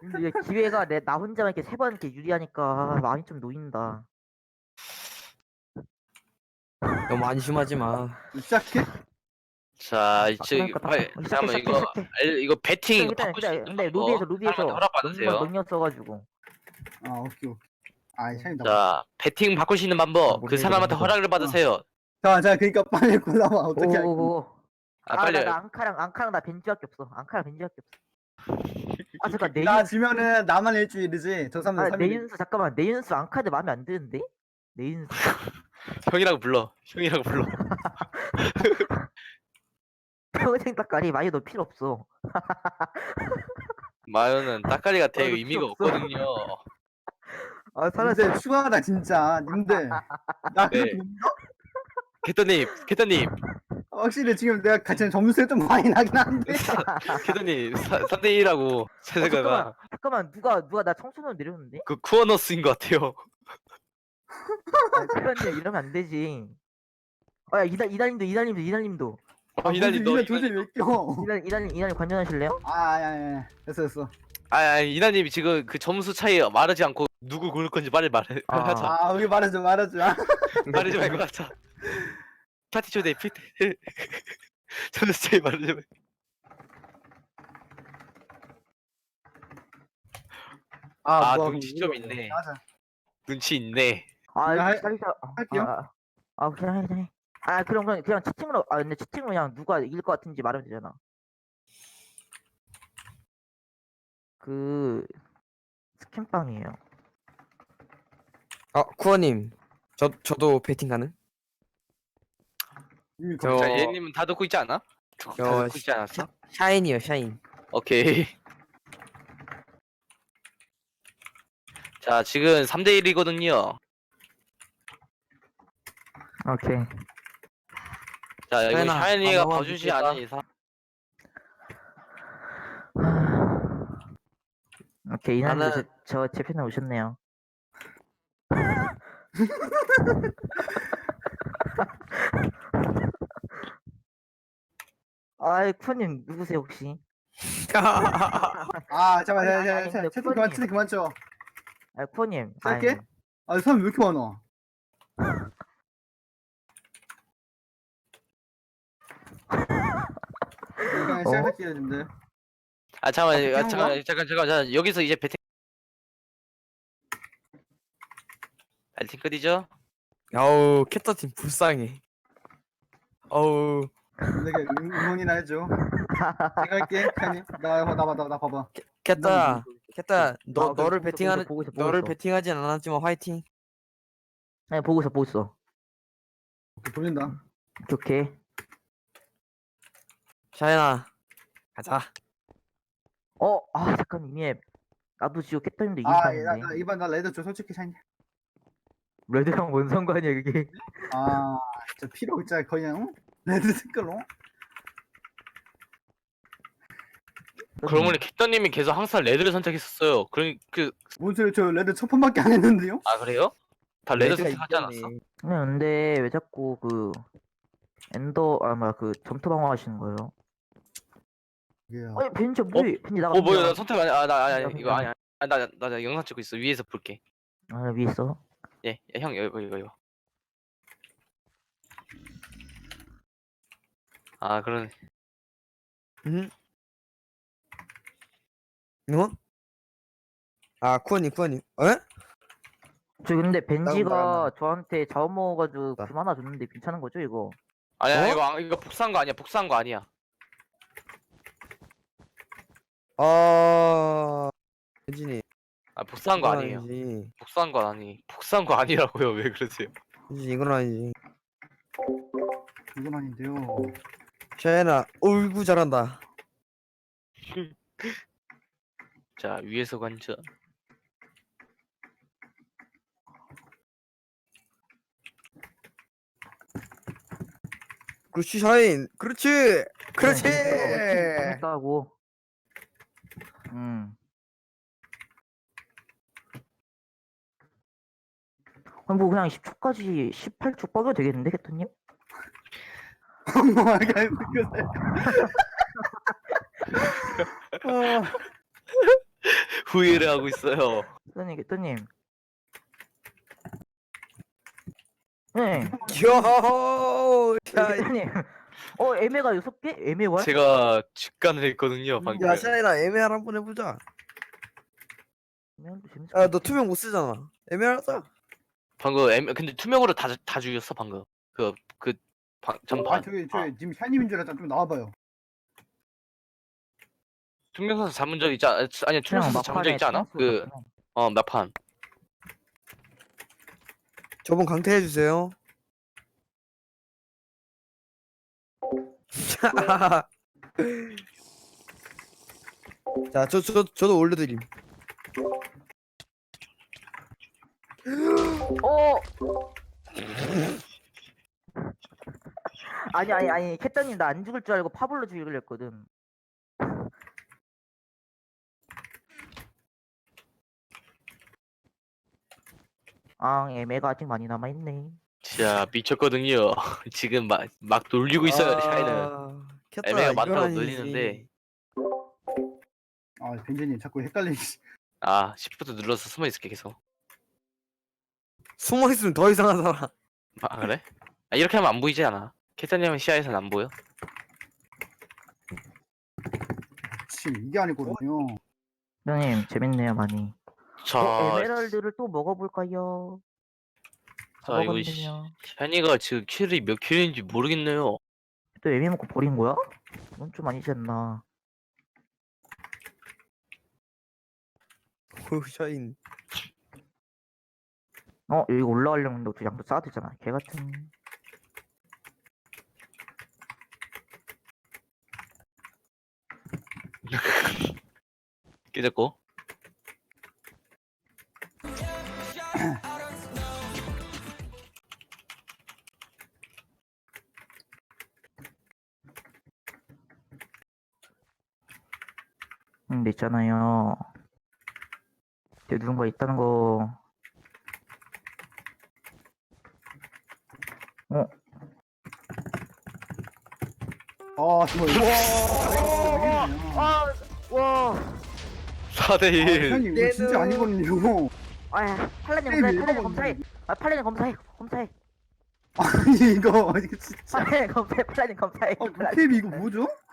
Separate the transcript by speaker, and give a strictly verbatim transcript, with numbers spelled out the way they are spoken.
Speaker 1: 근데 이게 기회가 내 나 혼자만 이렇게 세 번 이렇게 유리하니까 마음이 좀 놓인다.
Speaker 2: 너무 안심하지 마.
Speaker 3: 시작해?
Speaker 4: 자,
Speaker 1: 아,
Speaker 4: 이제
Speaker 1: 그러니까
Speaker 4: 빨리
Speaker 1: 시작해,
Speaker 4: 잠깐만
Speaker 1: 시작해,
Speaker 4: 이거
Speaker 1: 시작해.
Speaker 4: 알- 이거 배팅
Speaker 1: 일단
Speaker 4: 바꿀 수
Speaker 1: 일단
Speaker 4: 있는
Speaker 1: 근데
Speaker 4: 방법
Speaker 1: 루비에서
Speaker 4: 사람한테
Speaker 1: 루비에서
Speaker 4: 허락
Speaker 1: 너무
Speaker 4: 받으세요.
Speaker 1: 능력써가지고.
Speaker 3: 아 오케이 오케이. 아 샤인 나.
Speaker 4: 자, 배팅 바꿀 수 있는
Speaker 1: 아,
Speaker 4: 방법
Speaker 1: 못
Speaker 4: 그
Speaker 1: 믿어,
Speaker 4: 사람한테
Speaker 1: 못 믿어.
Speaker 4: 허락을 받으세요.
Speaker 3: 자, 자, 그러니까 빨리 골라봐. 어떻게 할지.
Speaker 1: 오오오.
Speaker 4: 아,
Speaker 1: 아,
Speaker 4: 빨리.
Speaker 1: 나, 나 앙카랑 앙카랑 나 벤지밖에 없어. 앙카랑 벤지밖에 없어. 아 잠깐
Speaker 3: 나
Speaker 1: 네윤.
Speaker 3: 지면은 나만 일주일이지. 저 사람들
Speaker 1: 아
Speaker 3: 삼 일.
Speaker 1: 네윤수 잠깐만 네윤수 앙카드 마음에 안 드는데? 네윤수.
Speaker 4: 형이라고 불러. 형이라고 불러.
Speaker 1: 평생 딱가리 많이 너 필요 없어.
Speaker 4: 마요는 따까리가 되게
Speaker 1: 너
Speaker 4: 의미가
Speaker 1: 필요 없어.
Speaker 4: 없거든요.
Speaker 1: 아 사라져.
Speaker 3: 님들 추가하다 진짜. 님들. 나
Speaker 4: 네.
Speaker 3: 그렇게 못 믿어?
Speaker 4: 캐터님, 캐터님,
Speaker 3: 확실히 지금 내가 같이 점수가 좀 많이 나긴 한데.
Speaker 4: 캐터님 삼 대 일이라고
Speaker 1: 어,
Speaker 4: 세세가가
Speaker 1: 잠깐만 잠깐만 누가 누가 나 청소년 내렸는데?
Speaker 4: 그 쿠어너스인 것 같아요.
Speaker 1: 아, 그런데 이러면 안 되지. 어야 이달 이달님도 이달님도 이달님도
Speaker 4: 어, 이달님 너
Speaker 3: 이날 도저히 왜 껴?
Speaker 1: 이달 이달님 이달님 관전하실래요?
Speaker 3: 아, 야, 야, 야. 됐어, 됐어.
Speaker 4: 아, 아 이나님이 지금 그 점수 차이 말하지 않고 누구 고를 건지 빨리 말해.
Speaker 1: 아.
Speaker 4: 하자.
Speaker 3: 아, 우리 말하자, 말하자.
Speaker 4: 말하지 말고 하자. 파티 초대 피트. 점수 차이 말하지 말고. 아,
Speaker 3: 뭐,
Speaker 4: 눈치
Speaker 3: 뭐,
Speaker 4: 좀
Speaker 3: 이거.
Speaker 4: 있네.
Speaker 3: 하자.
Speaker 4: 눈치 있네.
Speaker 1: 아
Speaker 3: 이거 할-
Speaker 1: 기다리자. 아,
Speaker 3: 할게요.
Speaker 1: 아, 아 그냥 해 그냥 해. 아 그럼 그냥 그냥 채팅으로 아 근데 채팅으로 그냥 누가 이길 것 같은지 말하면 되잖아. 그 스캔빵이에요.
Speaker 2: 아 쿠어님, 저 저도 배팅 가능?
Speaker 3: 이미
Speaker 2: 저-
Speaker 4: 자, 얘님은 다 듣고 있지 않아? 다
Speaker 2: 저
Speaker 4: 듣고 있지 않았어?
Speaker 2: 샤인이요 샤인.
Speaker 4: 오케이. 자, 지금 삼 대 일이거든요.
Speaker 1: 오케이.
Speaker 4: 자, 이거
Speaker 2: 샤인아,
Speaker 4: 샤이니가
Speaker 2: 안
Speaker 4: 봐주지
Speaker 2: 넘어가겠다.
Speaker 4: 않은 이상.
Speaker 1: 오케이 이날도
Speaker 2: 나는-
Speaker 1: 저제 편에 오셨네요. 아이 쿠님 누구세요 혹시?
Speaker 3: 아, 잠깐만,
Speaker 1: 아니,
Speaker 3: 야,
Speaker 1: 아니,
Speaker 3: 야,
Speaker 1: 아니,
Speaker 3: 야,
Speaker 1: 근데
Speaker 3: 채팅 그만,
Speaker 1: 쿠어님.
Speaker 3: 채팅 그만 쳐.
Speaker 1: 아 쿠님.
Speaker 3: 짧게? 아, 사람 왜 이렇게 많아? 그냥
Speaker 1: 어?
Speaker 3: 시작할게요, 님들.
Speaker 4: 아, 잠깐만,
Speaker 3: 아, 배팅
Speaker 4: 아,
Speaker 3: 한
Speaker 4: 잠깐,
Speaker 3: 거야?
Speaker 4: 잠깐, 잠깐, 잠깐. 여기서 이제 배팅. 배팅 끝이죠?
Speaker 2: 어우 캣터팀 불쌍해. 어우
Speaker 3: 내가 응- 응원이나 해줘. 제가 할게, 칸님. 나, 나, 나, 나, 나 봐봐.
Speaker 2: 캣터야, 캣터야, 너
Speaker 1: 아,
Speaker 2: 너를
Speaker 1: 보고 있어,
Speaker 2: 배팅하는
Speaker 1: 보고 있어, 보고
Speaker 2: 너를
Speaker 1: 있어.
Speaker 2: 배팅하진 않았지만 화이팅.
Speaker 1: 아니 보고 있어 보고 있어.
Speaker 3: 오케이, 돌린다.
Speaker 1: 오케이. 오케이.
Speaker 2: 샤인아, 가자.
Speaker 1: 어, 아 잠깐 이미 나도 지금 캣터님도 이긴
Speaker 3: 아, 나,
Speaker 1: 판인데.
Speaker 3: 나, 이번 나 레드 줘, 솔직히 샤인.
Speaker 1: 레드랑 뭔 상관이야 그게?
Speaker 3: 아, 진짜 필요 진짜 거의 그냥, 응? 레드 색깔로?
Speaker 4: 그러고 보니 캡터님이 계속 항상 레드를 선택했었어요. 그러니 그,
Speaker 3: 뭔 소리, 저 레드 첫 판밖에 안 했는데요?
Speaker 4: 아 그래요? 다 레드
Speaker 2: 레드가
Speaker 4: 선택하지 않았어?
Speaker 2: 이겼네.
Speaker 1: 네, 근데 왜 자꾸 그 엔더 아 뭐야 그 점토 방어 하시는 거예요?
Speaker 3: 예.
Speaker 1: 아니 벤지 뭐해? 벤지 나가.
Speaker 4: 어 뭐야 나 선택 아니 아나 아니, 아니
Speaker 1: 그냥,
Speaker 4: 이거 아니 아니 나나 나, 나 영상 찍고 있어. 위에서 볼게.
Speaker 1: 아 위에 있어.
Speaker 4: 예, 야, 형 이거 이거 이거. 아 그러네.
Speaker 2: 응? 뭐? 아 쿠어님 쿠어님. 어?
Speaker 1: 저 근데
Speaker 2: 나온다,
Speaker 1: 벤지가
Speaker 2: 나온다.
Speaker 1: 저한테 자원 먹어가지고
Speaker 2: 나.
Speaker 1: 금 하나 줬는데 괜찮은 거죠 이거?
Speaker 4: 아니야
Speaker 2: 어?
Speaker 4: 이거 안- 이거 복사한 거 아니야. 복사한 거 아니야.
Speaker 2: 어. 혜진이.
Speaker 4: 아 복사한 거 아니에요.
Speaker 2: 아니지.
Speaker 4: 복사한 거 아니. 복사한 거 아니라고요. 왜 그러세요?
Speaker 2: 혜진 이건 아니지.
Speaker 3: 이건 아닌데요.
Speaker 2: 샤인아, 어이구 잘한다.
Speaker 4: 자 위에서 관전.
Speaker 2: 그렇지 샤인. 그렇지. 그렇지.
Speaker 1: 재밌다고. 음. 아니 뭐 그냥 십 초까지 십팔 초 뻐겨도 되겠는데 캐터님?
Speaker 3: 뭐, 이렇게 웃겨서. 아,
Speaker 4: 후회를 하고 있어요.
Speaker 1: 개떠님 개떠님. 네.
Speaker 2: 요. 야,
Speaker 1: 개떠님. 어 애매가 여섯 개? 애매 월?
Speaker 4: 제가 직관을 했거든요 방금.
Speaker 2: 야, 샤이나 애매할 한번 해보자.
Speaker 1: 애매한도 재밌을
Speaker 2: 야,
Speaker 1: 것
Speaker 2: 너
Speaker 1: 같아.
Speaker 2: 투명 못 쓰잖아. 애매하자.
Speaker 4: 방금 M 근데 투명으로 다 다 죽였어 방금. 그그
Speaker 3: 아
Speaker 4: 전판.
Speaker 3: 저기 저기 지금 샤님인 줄 알았잖아. 좀 나와봐요.
Speaker 4: 투명선수 잡은 적 있지 않 아니
Speaker 1: 그냥
Speaker 4: 투명선수 잡은 적
Speaker 1: 막판에
Speaker 4: 있지 않아?
Speaker 1: 찬스
Speaker 4: 그
Speaker 1: 같구나.
Speaker 4: 어 몇 판.
Speaker 2: 저번 강퇴 해주세요. 자, 저, 저, 저도 올려드림.
Speaker 1: 어. 아니 아니 아니 캣더님 나 안 죽을 줄 알고 파블로 죽이려 했거든. 아 애매가 아직 많이 남아 있네.
Speaker 4: 진짜 미쳤거든요. 지금 막 막 놀리고 있어요 샤이는.
Speaker 2: 아, 캣더야,
Speaker 4: 애매가
Speaker 2: 이건
Speaker 4: 많다고
Speaker 2: 아니지.
Speaker 4: 놀리는데
Speaker 3: 아 벤제님 자꾸 헷갈리지.
Speaker 4: 아 시프트 눌러서 숨어 있을게 계속.
Speaker 2: 숨어 있으면 더 이상하잖아.
Speaker 4: 아 그래? 아, 이렇게 하면 안 보이지 않아? 캐터님은 시야에서는 안 보여?
Speaker 3: 지금 이게 아니거든요.
Speaker 1: 형님 재밌네요 많이.
Speaker 4: 자,
Speaker 1: 어, 에메랄드를 또 먹어볼까요? 다
Speaker 4: 자 이거 시-
Speaker 1: 먹었네요.
Speaker 4: 샤니가 지금 킬이 몇 킬인지 모르겠네요.
Speaker 1: 또 애매 먹고 버린 거야? 이건 좀 아니지 않나.
Speaker 2: 오, 샤인.
Speaker 1: 어 여기 올라가려고 했는데 어떻게 양도 쌓아야 되잖아. 개 같은.
Speaker 4: 깨졌고.
Speaker 1: 근데 있잖아요. 뒤에 누군가 있다는 거. 어?
Speaker 3: 아 정말. 와.
Speaker 1: 아, 와.
Speaker 4: 사 대
Speaker 3: 아,
Speaker 4: 일.
Speaker 3: 샤님 이거 진짜 아니거든요.
Speaker 1: 아, 팔라님
Speaker 3: 게임이
Speaker 1: 검사해, 팔라님
Speaker 3: 이거
Speaker 1: 검사해. 아, 팔라님 검사해, 검사해.
Speaker 3: 아니 이거 이거 진짜.
Speaker 1: 팔라님 검사해, 팔라님 검사해.
Speaker 3: 아
Speaker 1: 팔라님
Speaker 3: 루캡이 이거
Speaker 1: 검사해.
Speaker 3: 뭐죠?